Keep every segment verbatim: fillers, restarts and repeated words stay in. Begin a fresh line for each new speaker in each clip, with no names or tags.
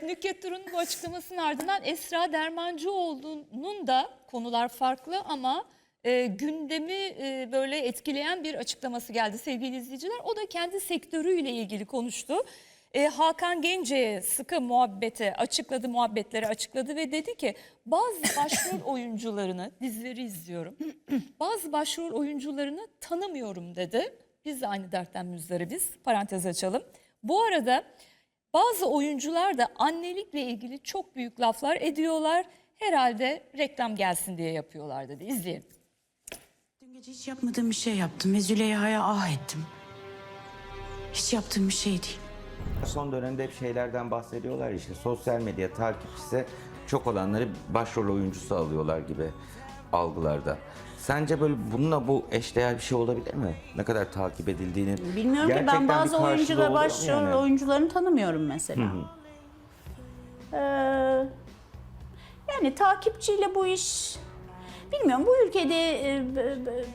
Nükhet Duru'nun bu açıklamasının ardından Esra Dermancıoğlu'nun da konular farklı ama e, gündemi e, böyle etkileyen bir açıklaması geldi sevgili izleyiciler. O da kendi sektörüyle ilgili konuştu. E, Hakan Gence'ye sıkı muhabbete açıkladı, muhabbetleri açıkladı ve dedi ki bazı başrol oyuncularını, dizileri izliyorum, bazı başrol oyuncularını tanımıyorum dedi. Biz de aynı dertten müzdaribiz, parantez açalım. Bu arada bazı oyuncular da annelikle ilgili çok büyük laflar ediyorlar. Herhalde reklam gelsin diye yapıyorlar dedi. İzleyelim.
Dün gece hiç yapmadığım bir şey yaptım ve Züleyha'ya ah ettim. Hiç yaptığım bir şey değil.
Son dönemde hep şeylerden bahsediyorlar işte sosyal medya takipçisi çok olanları başrol oyuncusu alıyorlar gibi algılarda. Sence böyle bununla bu eşdeğer bir şey olabilir mi? Ne kadar takip edildiğini.
Bilmiyorum ki
gerçekten
ben
bir
bazı
karşılığı
oyuncular,
oluyor mu
başrol
yani?
oyuncularını tanımıyorum mesela.
Hı hı.
Ee, yani takipçiyle bu iş bilmiyorum bu ülkede e, b- b-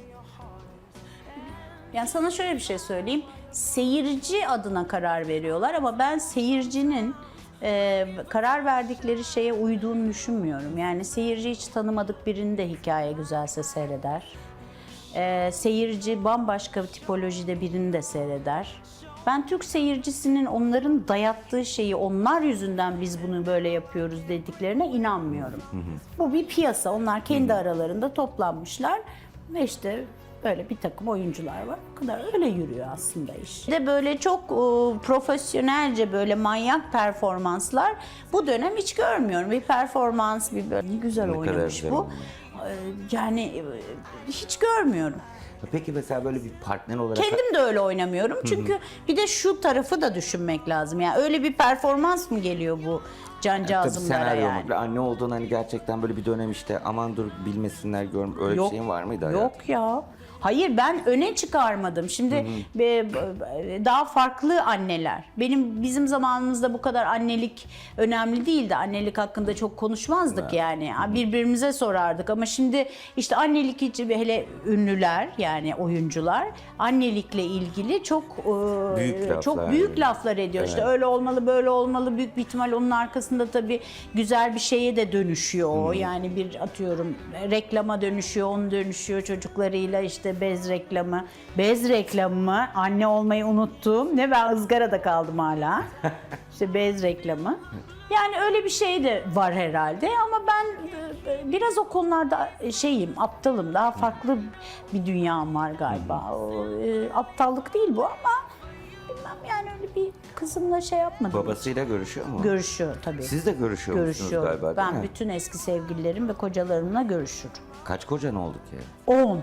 yani sana şöyle bir şey söyleyeyim. Seyirci adına karar veriyorlar ama ben seyircinin e, karar verdikleri şeye uyduğunu düşünmüyorum. Yani seyirci hiç tanımadık birinin de hikaye güzelse seyreder. E, seyirci bambaşka bir tipolojide birini de seyreder. Ben Türk seyircisinin onların dayattığı şeyi onlar yüzünden biz bunu böyle yapıyoruz dediklerine inanmıyorum. Hı hı. Bu bir piyasa. Onlar kendi hı hı. aralarında toplanmışlar ve işte böyle bir takım oyuncular var. O kadar öyle yürüyor aslında iş. Bir de böyle çok e, profesyonelce böyle manyak performanslar bu dönem hiç görmüyorum. Bir performans, bir böyle ne güzel
Ne kadar
oynamış
güzel
bu.
oynamış.
E, yani e, hiç görmüyorum.
Peki mesela böyle bir partner olarak...
Kendim de öyle oynamıyorum. Çünkü Hı-hı. bir de şu tarafı da düşünmek lazım. Yani öyle bir performans mı geliyor bu cancağızımlara
Tabii
yani?
senaryo anne olduğun hani gerçekten böyle bir dönem işte aman dur bilmesinler görm öyle
Yok,
bir şeyin var mıydı hayatım?
Yok ya. Hayır ben öne çıkarmadım. Şimdi hı hı. E, daha farklı anneler. Benim bizim zamanımızda bu kadar annelik önemli değildi. Annelik hakkında çok konuşmazdık evet. yani. Hı hı. Birbirimize sorardık ama şimdi işte annelik için hele ünlüler yani oyuncular annelikle ilgili çok büyük laflar, çok büyük laflar ediyor. Evet. İşte öyle olmalı, böyle olmalı. Büyük bir ihtimal onun arkasında tabii güzel bir şeye de dönüşüyor o. Hı. Yani bir atıyorum reklama dönüşüyor, onu dönüşüyor çocuklarıyla işte bez reklamı. Bez reklamı mı? Anne olmayı unuttum. Ne ben ızgarada kaldım hala. İşte bez reklamı. Yani öyle bir şey de var herhalde ama ben biraz o konularda şeyim, aptalım. Daha farklı bir dünyam var galiba. O, e, aptallık değil bu ama bilmem yani öyle bir kızımla şey yapmadım.
Babasıyla görüşüyor mu?
Görüşüyor tabii.
Siz de görüşüyor musunuz galiba değil
Ben
mi?
bütün eski sevgililerim ve kocalarımla görüşürüm.
Kaç kocan oldu ki?
On.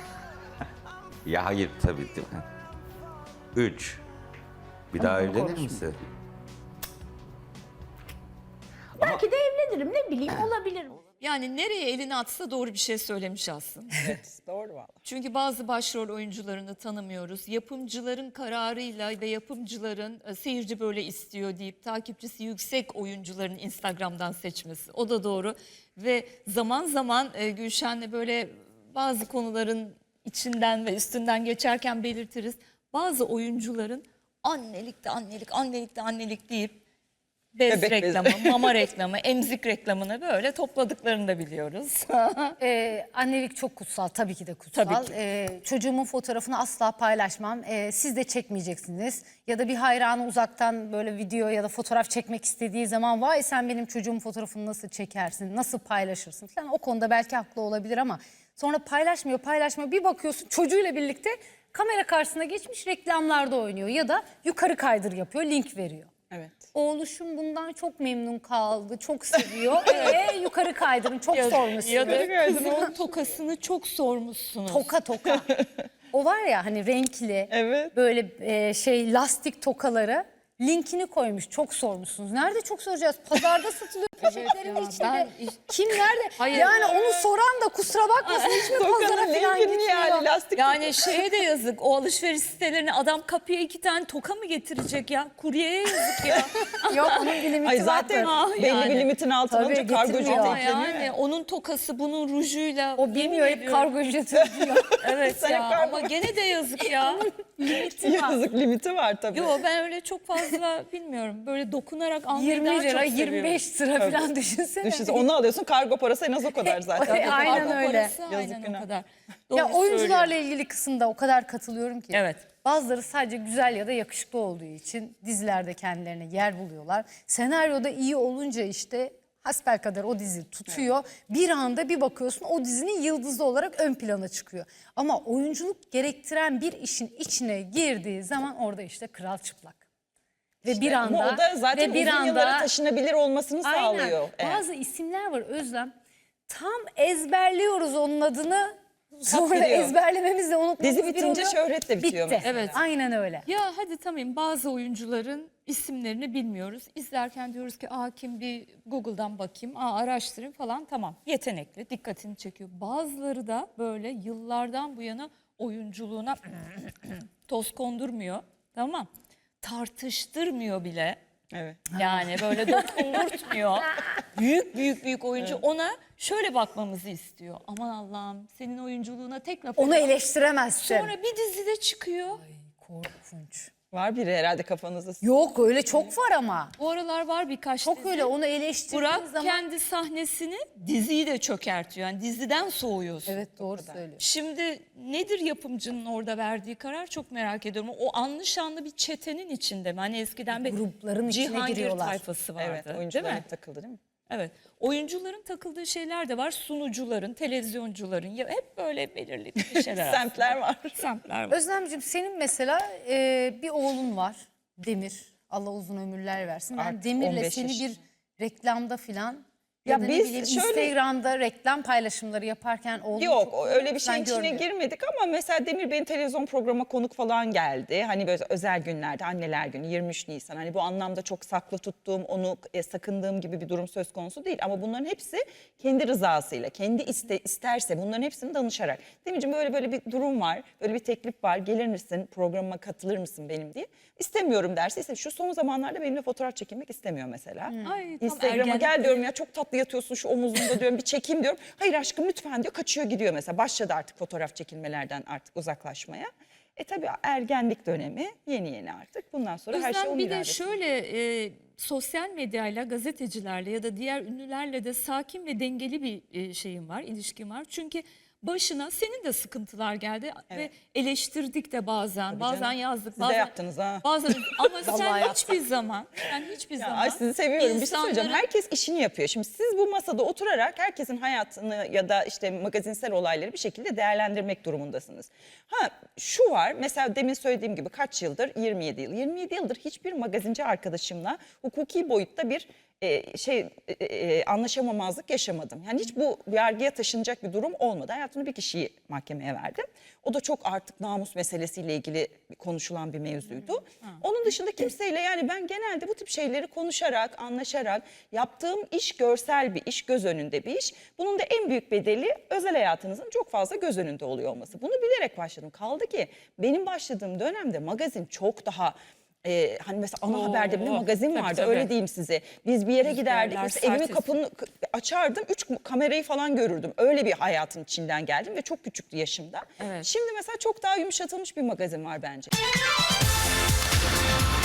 Ya hayır tabii değil mi? Üç. Bir daha evlenir
konuşma.
misin?
Belki de evlenirim ne bileyim olabilir.
Yani nereye elini atsa doğru bir şey söylemiş aslında.
Evet, doğru valla.
Çünkü bazı başrol oyuncularını tanımıyoruz. Yapımcıların kararıyla ve yapımcıların e, seyirci böyle istiyor deyip takipçisi yüksek oyuncuların Instagram'dan seçmesi. O da doğru. Ve zaman zaman e, Gülşen'le böyle bazı konuların içinden ve üstünden geçerken belirtiriz. Bazı oyuncuların annelik de annelik, annelik de annelik deyip bez Bebek reklamı, bezi. mama reklamı, emzik reklamını böyle topladıklarını da biliyoruz.
ee, annelik çok kutsal, tabii ki de kutsal.
Tabii ki.
Ee, çocuğumun fotoğrafını asla paylaşmam. Ee, siz de çekmeyeceksiniz. Ya da bir hayranı uzaktan böyle video ya da fotoğraf çekmek istediği zaman vay sen benim çocuğumun fotoğrafını nasıl çekersin, nasıl paylaşırsın falan. O konuda belki haklı olabilir ama sonra paylaşmıyor, paylaşmıyor. Bir bakıyorsun çocuğuyla birlikte kamera karşısına geçmiş reklamlarda oynuyor ya da yukarı kaydır yapıyor, link veriyor.
Evet.
Oğluşum bundan çok memnun kaldı, çok seviyor. Ee, yukarı kaydırın, çok
Ya,
sormuşsunuz.
ya da kızının tokasını çok sormuşsunuz.
Toka toka. O var ya hani renkli,
Evet.
böyle e, şey lastik tokaları linkini koymuş, çok sormuşsunuz. Nerede çok soracağız? Pazarda satılıyor. Poşetlerin
ya,
içinde
ben-
kim nerede?
Hayır.
Yani onu soran da kusura bakmasın hiç mi pazara
Tokanın
falan
linkini
gitmiyor?
yani lastik.
Yani şeye de yazık, o alışveriş sitelerine adam kapıya iki tane toka mı getirecek ya? Kuryeye yazık ya.
Yok onun bir limiti
Ay zaten
vardır.
Ah,
belli
yani.
bir limitin altına
Tabii,
olunca kargocu
getirmiyor.
Ama
tekleniyor.
yani onun tokası bunun rujuyla.
O bilmiyor
yemin
hep
ediyorum.
kargo ücreti ödüyor.
Evet
Sen
ya
hep kargo-
ama gene de yazık ya.
Yazık limiti var tabii.
Yo ben öyle çok fazla bilmiyorum. Böyle dokunarak almayı
yirmi
daha
lira
çok seviyorum.
yirmi beş lira falan düşünsene.
Düşünsene onu alıyorsun kargo parası en az o kadar zaten.
Tabii, aynen
Kargo
öyle.
parası
Yazık
aynen
günah.
o kadar.
Ya
Doğru
oyuncularla
söylüyor.
ilgili kısımda o kadar katılıyorum ki.
Evet.
Bazıları sadece güzel ya da yakışıklı olduğu için dizilerde kendilerine yer buluyorlar. Senaryoda iyi olunca işte hasbelkader o dizi tutuyor. Bir anda bir bakıyorsun o dizinin yıldızı olarak ön plana çıkıyor. Ama oyunculuk gerektiren bir işin içine girdiği zaman orada işte kral çıplak. Ve bir anda
Ama o da zaten
ve bir
uzun yıllara
anda
taşınabilir olmasını
aynen
sağlıyor. Evet.
bazı isimler var Özlem. Tam ezberliyoruz onun adını. Sonra
biliyor.
ezberlememizle unutmamız
Dizi
bir
bitince
oluyor.
şöhret de bitiyor
Bitti.
mesela.
Evet.
Aynen öyle.
Ya hadi tamam bazı oyuncuların isimlerini bilmiyoruz. İzlerken diyoruz ki aa kim bir Google'dan bakayım, aa araştırayım falan tamam. Yetenekli, dikkatini çekiyor. Bazıları da böyle yıllardan bu yana oyunculuğuna toz kondurmuyor. Tamam. Tartıştırmıyor bile.
Evet.
Yani böyle dokundurtmuyor. büyük büyük büyük oyuncu ona şöyle bakmamızı istiyor. Aman Allah'ım senin oyunculuğuna tek laf
Onu
ediyorum.
eleştiremezsin.
Sonra bir dizide çıkıyor.
Korkunç.
Var biri herhalde kafanızda.
Yok öyle çok var ama.
Bu aralar var birkaç
Çok
dizi.
öyle onu eleştirdiğin
Burak
zaman.
kendi sahnesini diziyi de çökertiyor. Yani diziden soğuyorsun.
Evet doğru söylüyor.
Şimdi nedir yapımcının orada verdiği karar çok merak ediyorum. O anlı şanlı bir çetenin içinde mi? Hani eskiden bir
Grupların içine
Cihangir
giriyorlar.
tayfası vardı.
Evet
değil
oyuncular
mi?
hep takıldı değil mi?
Evet. Oyuncuların takıldığı şeyler de var. Sunucuların, televizyoncuların ya hep böyle belirli bir şeyler. aslında.
Semtler var.
Semtler var.
Özlemciğim senin mesela e, bir oğlun var Demir. Allah uzun ömürler versin. Ben
Artık
Demir'le
on beş
seni
yaşında.
bir reklamda filan ya,
Ya
da ne
biz
bileyim
şöyle-
Instagram'da reklam paylaşımları yaparken oğlun
Yok
çok
o öyle bir
ben
şeyin içine
görmüyorum.
girmedik ama mesela Demir Bey'in televizyon programa konuk falan geldi. Hani böyle özel günlerde anneler günü yirmi üç Nisan hani bu anlamda çok saklı tuttuğum onu e, sakındığım gibi bir durum söz konusu değil. Ama bunların hepsi kendi rızasıyla kendi iste, isterse bunların hepsini danışarak. Demirciğim böyle böyle bir durum var böyle bir teklif var gelir misin programa katılır mısın benim diye. İstemiyorum derse ise şu son zamanlarda benimle fotoğraf çekilmek istemiyor mesela.
Ay, tam
Instagram'a
ergen.
gel diyorum ya çok tatlı yatıyorsun şu omuzumda diyorum bir çekeyim diyorum. Hayır aşkım lütfen diyor kaçıyor gidiyor mesela. Başladı artık fotoğraf çekilmelerden artık uzaklaşmaya. E tabii ergenlik dönemi yeni yeni artık. Bundan sonra her şey
Özlem
onun
bir de
iradesi.
şöyle e, sosyal medyayla, gazetecilerle ya da diğer ünlülerle de sakin ve dengeli bir e, şeyim var, ilişkim var. Çünkü başına senin de sıkıntılar geldi ve eleştirdik de bazen, bazen
canım.
yazdık.
Siz de
bazen,
yaptınız ha.
Bazen ama
Vallahi
sen
yaptım.
hiçbir zaman, sen hiçbir zaman.
Ay sizi seviyorum. Bir şey söyleyeceğim.
insanların-
Herkes işini yapıyor. Şimdi siz bu masada oturarak herkesin hayatını ya da işte magazinsel olayları bir şekilde değerlendirmek durumundasınız. Ha şu var. Mesela demin söylediğim gibi kaç yıldır? yirmi yedi yıl. yirmi yedi yıldır hiçbir magazinci arkadaşımla hukuki boyutta bir e, şey e, e, anlaşamamazlık yaşamadım. Yani hiç bu yargıya taşınacak bir durum olmadı. Hayatımda bir kişiyi mahkemeye verdim. O da çok artık namus meselesiyle ilgili konuşulan bir mevzuydu. Onun dışında kimseyle yani ben genelde bu tip şeyleri konuşarak, anlaşarak yaptığım iş görsel bir iş, göz önünde bir iş. Bunun da en büyük bedeli özel hayatınızın çok fazla göz önünde oluyor olması. Bunu bilerek başladım. Kaldı ki benim başladığım dönemde magazin çok daha Ee, hani mesela ana
Oo,
haberde bir magazin
tabii,
vardı
tabii.
öyle diyeyim size. Biz bir yere giderdik
Rüzgarlar,
mesela evimin
sert
kapını k- açardım üç kamerayı falan görürdüm. Öyle bir hayatın içinden geldim ve çok küçüktü yaşımda.
Evet.
Şimdi mesela çok daha yumuşatılmış bir magazin var bence.